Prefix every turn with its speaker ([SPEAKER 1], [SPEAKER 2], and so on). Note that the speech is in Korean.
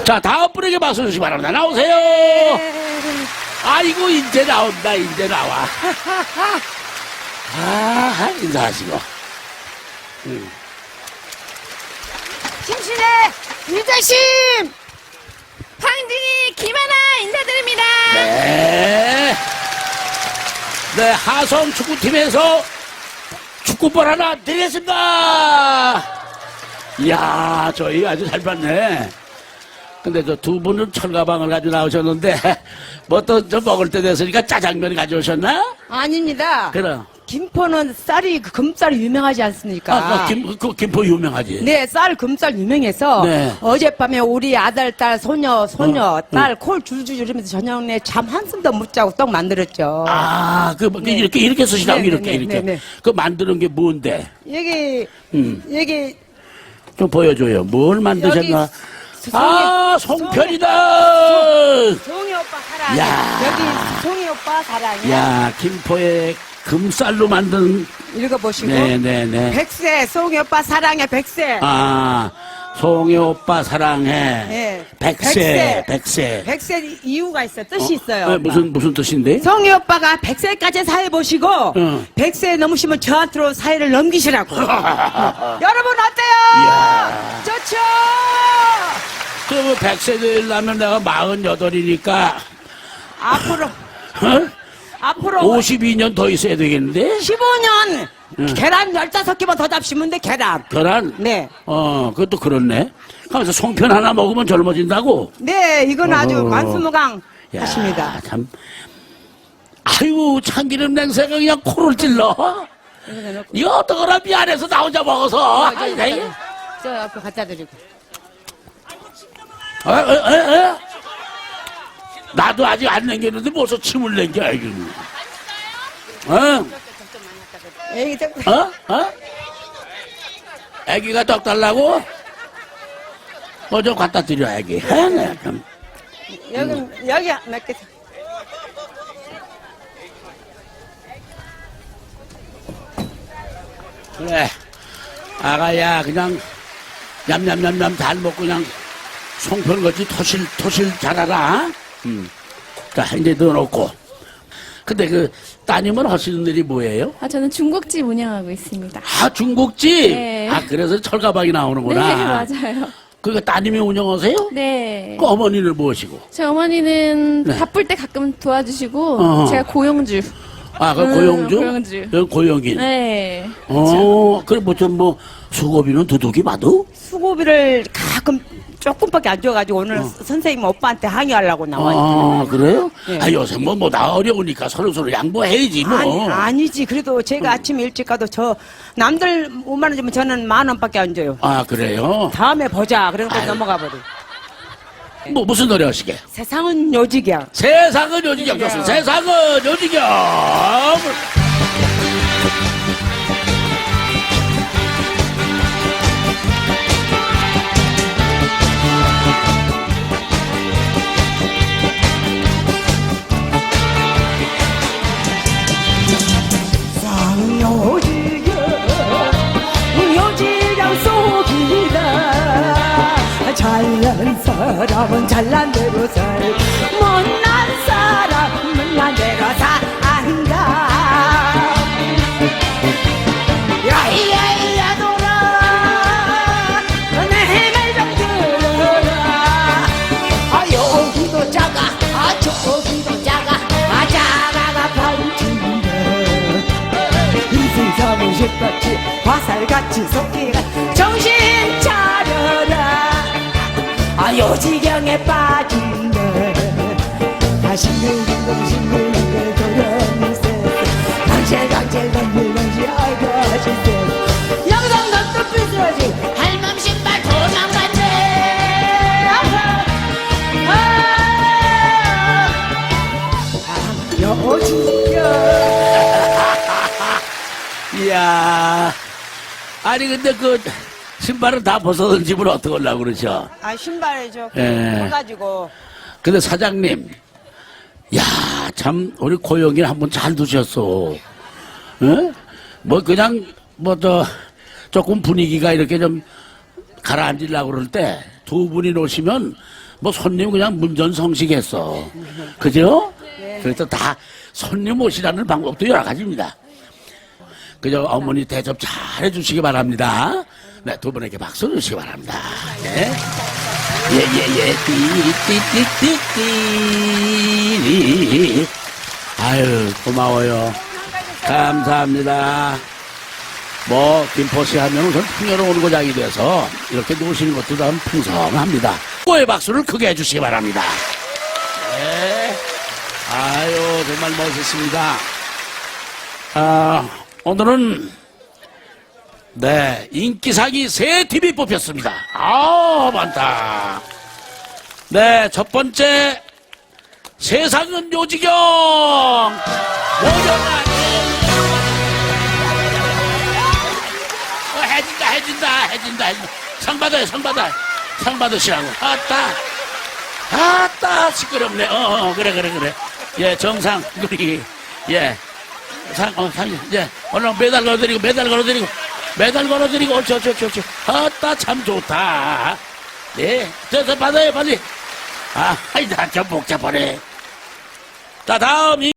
[SPEAKER 1] 자, 다음 분에게 박수 주시기 바랍니다. 나오세요. 아이고, 이제 나온다, 이제 나와. 아, 인사하시고.
[SPEAKER 2] 심신의 유자심 황진이 김하나 인사드립니다.
[SPEAKER 1] 네. 네, 하성 축구팀에서 축구볼 하나 드리겠습니다. 이야, 저희 아주 잘 봤네. 근데 저 두 분은 철가방을 가지고 나오셨는데, 뭐 또 저 먹을 때 됐으니까 짜장면 가져오셨나?
[SPEAKER 2] 아닙니다.
[SPEAKER 1] 그럼.
[SPEAKER 2] 김포는 쌀이 금쌀이 유명하지 않습니까?
[SPEAKER 1] 아, 김포 유명하지.
[SPEAKER 2] 네, 쌀 금쌀 유명해서
[SPEAKER 1] 네.
[SPEAKER 2] 어젯밤에 우리 아들, 딸, 소녀, 딸 콜 줄줄 이러면서 저녁 내 잠 한숨도 못 자고 떡 만들었죠.
[SPEAKER 1] 아,
[SPEAKER 2] 네.
[SPEAKER 1] 이렇게 쓰시라고,
[SPEAKER 2] 네,
[SPEAKER 1] 이렇게,
[SPEAKER 2] 네,
[SPEAKER 1] 이렇게.
[SPEAKER 2] 네, 네.
[SPEAKER 1] 그 만드는 게 뭔데?
[SPEAKER 2] 여기
[SPEAKER 1] 좀 보여줘요. 뭘 만드셨나? 아, 송편이다!
[SPEAKER 2] 송이 오빠 사랑.
[SPEAKER 1] 야.
[SPEAKER 2] 여기 송이 오빠 사랑이야.
[SPEAKER 1] 야, 김포의 금쌀로 만든,
[SPEAKER 2] 읽어보시고.
[SPEAKER 1] 네네네.
[SPEAKER 2] 백세, 송이 오빠 사랑해, 백세.
[SPEAKER 1] 아, 송이 오빠 사랑해.
[SPEAKER 2] 네.
[SPEAKER 1] 백세.
[SPEAKER 2] 백세 이유가 있어, 뜻이 있어요.
[SPEAKER 1] 네,
[SPEAKER 2] 오빠.
[SPEAKER 1] 무슨 뜻인데?
[SPEAKER 2] 송이 오빠가 100세까지 사회보시고,
[SPEAKER 1] 응.
[SPEAKER 2] 100세 넘으시면 저한테로 사회를 넘기시라고. 여러분, 어때요?
[SPEAKER 1] 이야.
[SPEAKER 2] 좋죠?
[SPEAKER 1] 그러면 100세 되려면 내가 48이니까,
[SPEAKER 2] 앞으로,
[SPEAKER 1] 어?
[SPEAKER 2] 앞으로
[SPEAKER 1] 52년 더 있어야 되겠는데?
[SPEAKER 2] 15년!
[SPEAKER 1] 응.
[SPEAKER 2] 계란 15개만 더 잡시면 돼, 계란.
[SPEAKER 1] 계란?
[SPEAKER 2] 네.
[SPEAKER 1] 그것도 그렇네. 가면서 송편 하나 먹으면 젊어진다고?
[SPEAKER 2] 네, 이건 아주
[SPEAKER 1] 어허.
[SPEAKER 2] 만수무강
[SPEAKER 1] 야,
[SPEAKER 2] 하십니다.
[SPEAKER 1] 참. 아유, 참기름 냄새가 그냥 코를 찔러. 이거 어떡하나 미안해서 나 혼자 먹어서. 아이, 네.
[SPEAKER 2] 저 앞에 갖다 드리고.
[SPEAKER 1] 나도 아직 안 남겼는데 벌써 침을 남겨, 아이고.
[SPEAKER 2] 에이,
[SPEAKER 1] 애기가 떡 달라고? 뭐 좀 갖다 드려, 애기. 네, 참.
[SPEAKER 2] 여기 몇 개.
[SPEAKER 1] 그래. 아가야, 그냥, 냠냠냠냠 잘 먹고 그냥 송편같이 토실 잘하라. 자, 이제 넣어놓고. 근데 그, 따님은 하시는 일이 뭐예요?
[SPEAKER 3] 아, 저는 중국집 운영하고 있습니다.
[SPEAKER 1] 아, 중국집?
[SPEAKER 3] 네.
[SPEAKER 1] 아, 그래서 철가방이 나오는구나.
[SPEAKER 3] 네, 맞아요.
[SPEAKER 1] 그거 따님이 운영하세요?
[SPEAKER 3] 네.
[SPEAKER 1] 그 어머니를 모시고.
[SPEAKER 3] 저희 어머니는
[SPEAKER 1] 네.
[SPEAKER 3] 바쁠 때 가끔 도와주시고,
[SPEAKER 1] 어허.
[SPEAKER 3] 제가 고용주.
[SPEAKER 1] 아, 그 고용주?
[SPEAKER 3] 고용주.
[SPEAKER 1] 여기 고용인.
[SPEAKER 3] 네.
[SPEAKER 1] 그럼 뭐, 수고비는 두둑이 봐도?
[SPEAKER 2] 수고비를 가끔 조금밖에 안 줘가지고 오늘 선생님 오빠한테 항의하려고 나왔는데.
[SPEAKER 1] 아, 그래요?
[SPEAKER 2] 네.
[SPEAKER 1] 아, 요새 나 어려우니까 서로 양보해야지, 뭐.
[SPEAKER 2] 아니지. 그래도 제가 아침에 일찍 가도 남들 5만 원 주면 저는 10,000원밖에 안 줘요.
[SPEAKER 1] 아, 그래요?
[SPEAKER 2] 다음에 보자. 그러고
[SPEAKER 1] 아유.
[SPEAKER 2] 넘어가 버려.
[SPEAKER 1] 무슨 노래 하시게?
[SPEAKER 2] 세상은 요지경.
[SPEAKER 1] 세상은 요지경 좋습니다. 세상은 요지경.
[SPEAKER 2] 요지경 속이다. 잘난 사람은 잘난 대로 살, 못난 사람은 못난 대로 산다. 야이야이야 돌아 내 말 좀 들어라. 아 여기도 작아, 아 저기도 작아, 아 작아가 반친다. 인생 사무 쉽같이 화살같이 속기가 정신 차려라. 아 요지경에 빠진다. 아 싱글싱글 도련세 강실 건들건지 아이고 하실세. 영상각 또 삐뚤어지 할멈 신발 도망갔네. 요지경.
[SPEAKER 1] 이야. 아니, 근데 그, 신발은 다 벗어던 집을 어떻게 하려고 그러죠?
[SPEAKER 2] 아 신발
[SPEAKER 1] 예.
[SPEAKER 2] 해가지고.
[SPEAKER 1] 근데 사장님, 야, 참, 우리 고영이 한번 잘 두셨어. 응? 뭐, 그냥, 조금 분위기가 이렇게 좀 가라앉으려고 그럴 때, 두 분이 놓으시면, 뭐 손님 그냥 문전성시했어. 그죠? 그래서 다 손님 모시라는 방법도 여러 가지입니다. 그저 어머니 대접 잘 해주시기 바랍니다. 네, 두 분에게 박수 주시기 바랍니다. 예. 띠. 아유, 고마워요. 감사합니다. 뭐, 김포시 하면 우선 풍요로운 고장이 돼서 이렇게 놓으시는 것도 참 풍성합니다. 꼬의 박수를 크게 해주시기 바랍니다. 네. 아유, 정말 멋있습니다. 오늘은, 네, 인기상이 새 팀이 뽑혔습니다. 많다. 네, 첫 번째, 세상은 요지경! 모여라! 해진다. 상 받아요. 상 받으시라고. 아따, 시끄럽네. 그래. 예, 정상, 우리, 예. 상, 예. 얼른 메달 걸어드리고, 옳지. 아따, 참 좋다. 네. 저 받아요, 빨리. 아이다, 좀 복잡하네. 자, 다음,